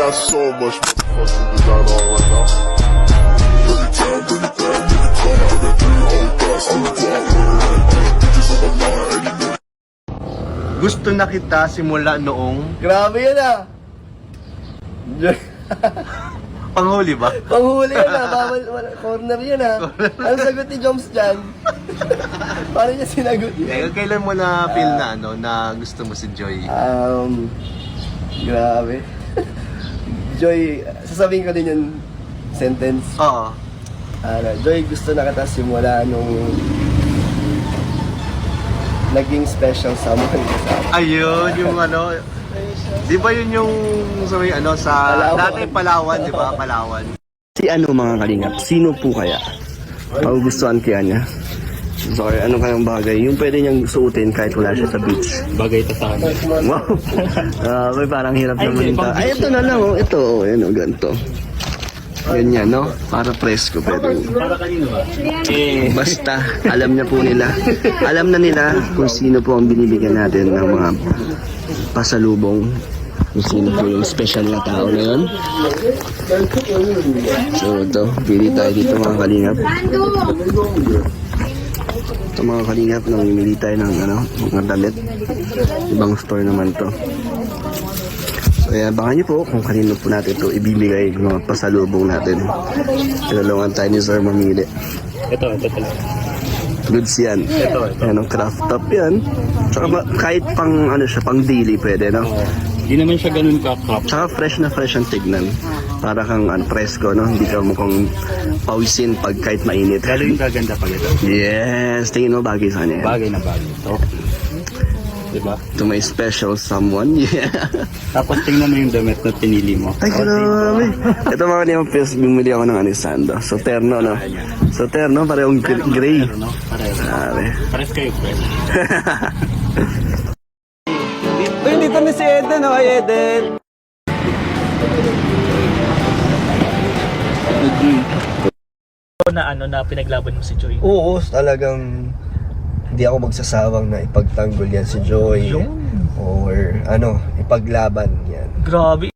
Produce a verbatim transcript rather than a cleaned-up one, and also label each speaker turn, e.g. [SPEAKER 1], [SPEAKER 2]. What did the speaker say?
[SPEAKER 1] got so much motherfucking design on right now. Bring it down, bring it down, bring it down, bring it down, hold fast, hold fast, bitches on my line, and you know.
[SPEAKER 2] Gusto na kita simula noong
[SPEAKER 3] Grabe yun ah.
[SPEAKER 2] panghuli ba?
[SPEAKER 3] Panghuli yun ah. Bawal, wala, corner yun ah. Anong sagot ni Joms dyan? Paano niya sinagot yun?
[SPEAKER 2] Eh, kailan mo na feel na ano na gusto mo si Joy?
[SPEAKER 3] Um, grabe. Joy, sasabihin ko din yung sentence.
[SPEAKER 2] Oo.
[SPEAKER 3] Ano, Joy, gusto na kita simula nung naging special someone ka sa akin.
[SPEAKER 2] Ayun, yung ano, di ba yun yung sa may ano sa
[SPEAKER 3] Palawan.
[SPEAKER 2] dati Palawan, di ba? Palawan.
[SPEAKER 3] Si ano mga kalingap? Sino po kaya? Magugustuhan kaya niya? Sorry, ano kayang bagay? Yung pwede niyang suotin kahit wala siya sa beach.
[SPEAKER 4] Bagay ito sa akin.
[SPEAKER 3] Wow! Ah, may parang hirap
[SPEAKER 4] Ay,
[SPEAKER 3] naman
[SPEAKER 4] hindi,
[SPEAKER 3] ito.
[SPEAKER 4] pang
[SPEAKER 3] Ay,
[SPEAKER 4] beach
[SPEAKER 3] ito na lang oh. Ito oh, yan oh, ganito. Ganyan, no? Para presko pwede.
[SPEAKER 4] Para kanino ba? Eh,
[SPEAKER 3] Basta, alam niya po nila. Alam na nila kung sino po ang binibigyan natin ng mga pasalubong. Kung sino po yung special na tao na yun. So, ito. Pili tayo dito mga kalingap. Ito mga kalingap, namimili tayo ng ano, mga damit. Ibang store naman to. So, ayan, baka nyo po kung kanino po natin ito ibibigay yung mga pasalubong natin. Tinulungan tayo ni Sir mamili.
[SPEAKER 4] ito, ito talaga.
[SPEAKER 3] Goods yan.
[SPEAKER 4] Ito, ito.
[SPEAKER 3] Yan ang craft top yan. Tsaka ma- kahit pang ano siya, pang daily pwede, no?
[SPEAKER 4] Hindi naman siya ganun ka-crop.
[SPEAKER 3] Tsaka fresh na fresh ang tignan. Para kang ano, presko, no? Hindi ka mukhang pawisin pag kahit mainit.
[SPEAKER 4] Lalo yung gaganda pag ito.
[SPEAKER 3] Yes! Tingin mo bagay sa kanya yan.
[SPEAKER 4] Bagay na bagay. Okay. Diba?
[SPEAKER 3] To my special someone. Yeah.
[SPEAKER 4] Tapos tingnan mo yung damit na pinili mo.
[SPEAKER 3] Ay, grabe. Ito mga niyang pills, bumili ako ng anisando. So, terno, no? So, terno, parehong gr- gray.
[SPEAKER 4] Pero no? Pares.
[SPEAKER 3] Grabe.
[SPEAKER 4] Pares kayo, friend.
[SPEAKER 3] Uy, dito na si Eden, oh, Eden.
[SPEAKER 5] na ano na pinaglaban mo si Joy.
[SPEAKER 3] Oo, talagang hindi ako magsasawang na ipagtanggol yan si Joy. Or ano, ipaglaban yan.
[SPEAKER 5] Grabe.